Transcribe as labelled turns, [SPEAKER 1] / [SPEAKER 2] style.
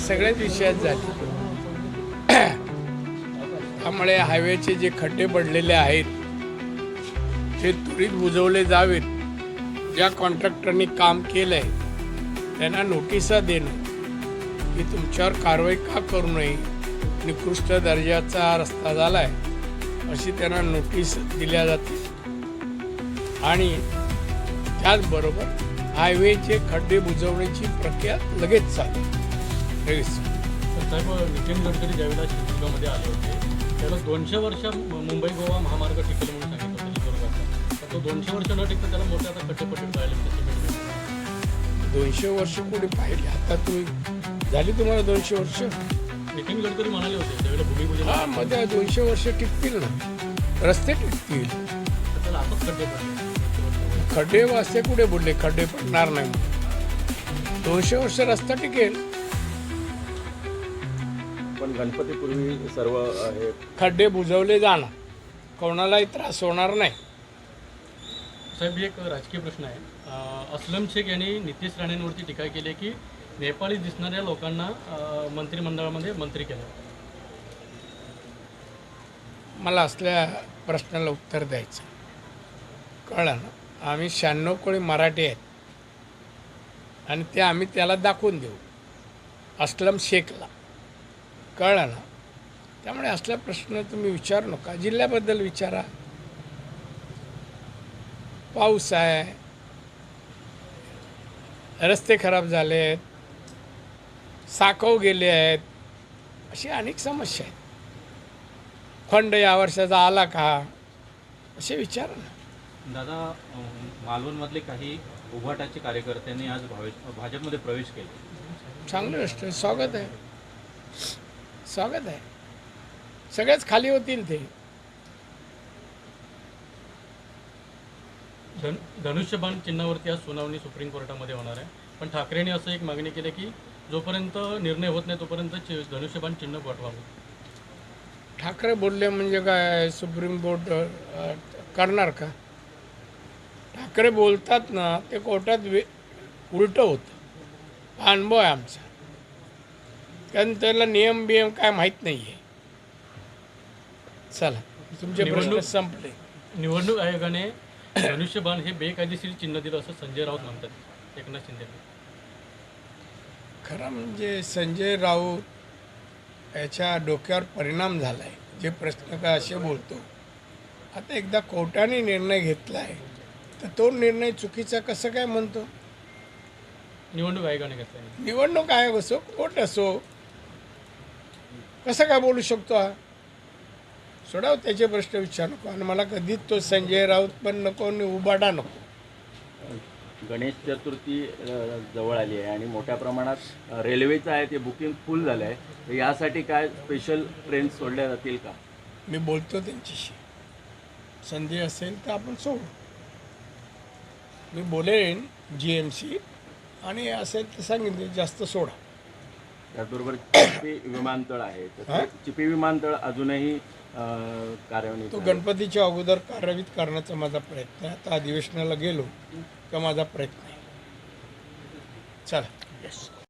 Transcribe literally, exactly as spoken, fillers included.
[SPEAKER 1] सगळ्याच विषयात झाली. त्यामुळे हायवेचे जे खड्डे पडलेले आहेत ते त्वरित बुजवले जावेत. ज्या कॉन्ट्रॅक्टरनी काम केलं आहे त्यांना नोटिसा देणं की तुमच्यावर कारवाई का करू नये, निकृष्ट दर्जाचा रस्ता झाला आहे अशी त्यांना नोटीस दिल्या जाते. आणि त्याचबरोबर हायवेचे खड्डे बुजवण्याची प्रक्रिया लगेच चालू लगेच.
[SPEAKER 2] साहेब, नितीन गडकरी ज्यावेळेला शिवसेनेमध्ये आले होते त्यावेळेला दोनशे वर्ष मुंबई गोवा महामार्ग टिकेल म्हणून सांगितलं होतं शिवसेनेचा. तर तो दोनशे वर्ष न टिकता त्याला मोठे आता खड्डे पट्टे पाहिले.
[SPEAKER 1] दोनशे वर्ष पुढे पाहिले, आता तुम्ही झाली तुम्हाला दोनशे वर्ष.
[SPEAKER 2] नितीन गडकरी म्हणाले होते त्यावेळेला भूमिपूजन
[SPEAKER 1] हा मध्ये दोनशे वर्ष टिकतील ना, रस्ते टिकतील.
[SPEAKER 2] तर त्याला आताच खड्डे पडले.
[SPEAKER 1] खड्डे वाजते कुठे बोलले, खड्डे पडणार नाही. दोनशे वर्ष रस्ता टिकेल.
[SPEAKER 3] पण गणपतीपूर्वी सर्व हे
[SPEAKER 1] खड्डे बुजवले जाणार, कोणालाही त्रास होणार नाही.
[SPEAKER 2] साहेब, एक राजकीय प्रश्न आहे. अं, अस्लम शेख यांनी नितीश राणेंवरती टीका केली आहे की नेपाळी दिसणाऱ्या लोकांना अं, मंत्रिमंडळामध्ये मंत्री केलं.
[SPEAKER 1] मला असल्या प्रश्नाला उत्तर द्यायचं कळलं ना. आम्ही शहाण्णव कोळी मराठी आहेत आणि ते आम्ही त्याला दाखवून देऊ अस्लम शेखला, कळलं ना. त्यामुळे असला प्रश्न तुम्ही विचारू नका, जिल्ह्याबद्दल विचारा. पाऊस आहे, रस्ते खराब झाले आहेत, साकव गेले आहेत, अशी अनेक समस्या आहेत. फंड या वर्षाचा आला का असे विचारा ना.
[SPEAKER 4] दादा, मालवणमधले काही उभाटाचे कार्यकर्त्यांनी आज भावे भाजपमध्ये प्रवेश केला.
[SPEAKER 1] चांगली गोष्ट आहे, स्वागत आहे, स्वागत आहे. सगळेच खाली होतील ते.
[SPEAKER 2] धन धनुष्यबाण चिन्हावरती आज सुनावणी सुप्रीम कोर्टामध्ये होणार आहे. पण ठाकरेंनी असं एक मागणी केली की जोपर्यंत निर्णय होत नाही तोपर्यंत चि- धनुष्यबाण चिन्ह पाठवावं.
[SPEAKER 1] ठाकरे बोलले म्हणजे काय सुप्रीम कोर्ट अ, करणार का? ठाकरे बोलतात ना ते कोर्टात वे उलटं होतं. हा अनुभव आहे आमचा, कारण त्याला नियम बियम काय माहीत नाही आहे. चला, तुमचे प्रश्न
[SPEAKER 2] निवडणूक-
[SPEAKER 1] संपले.
[SPEAKER 2] निवडणूक आयोगाने धनुष्यबाण हे बेकायदेशीर चिन्ह दिलं असं संजय राऊत म्हणतात एकनाथ शिंदे.
[SPEAKER 1] खरं म्हणजे संजय राऊत याच्या डोक्यावर परिणाम झाला आहे. जे प्रश्न काय असे बोलतो. आता एकदा कोर्टाने निर्णय घेतला आहे तर तो निर्णय चुकीचा कसं काय म्हणतो?
[SPEAKER 2] निवडणूक आयोगाने घेतला.
[SPEAKER 1] निवडणूक आयोग असो, कोर्ट असो, कसं काय बोलू शकतो हा? सोडाव त्याचे प्रश्न विचार नको. आणि मला कधीच तो संजय राऊत पण नको आणि उबाडा नको.
[SPEAKER 3] गणेश चतुर्थी अ, जवळ आली आहे आणि मोठ्या प्रमाणात अ, रेल्वेचं आहे ते बुकिंग फुल झालं आहे. तर यासाठी काय स्पेशल ट्रेन सोडल्या जातील का?
[SPEAKER 1] मी बोलतो त्यांच्याशी, संधी असेल तर आपण सोडू. मी बोलेन जी एम सी आणि असेल तर सांगितले जास्त सोडा.
[SPEAKER 3] त्याचबरोबर चिपी विमानतळ आहे, तर
[SPEAKER 1] हा?
[SPEAKER 3] ते चिपी विमानतळ अजूनही अ, कार्यान्वित
[SPEAKER 1] तो
[SPEAKER 3] आहे.
[SPEAKER 1] गणपतीच्या अगोदर कार्यान्वित करण्याचा माझा प्रयत्न आहे. आता अधिवेशनाला गेलो का माझा प्रयत्न आहे. चला. येस.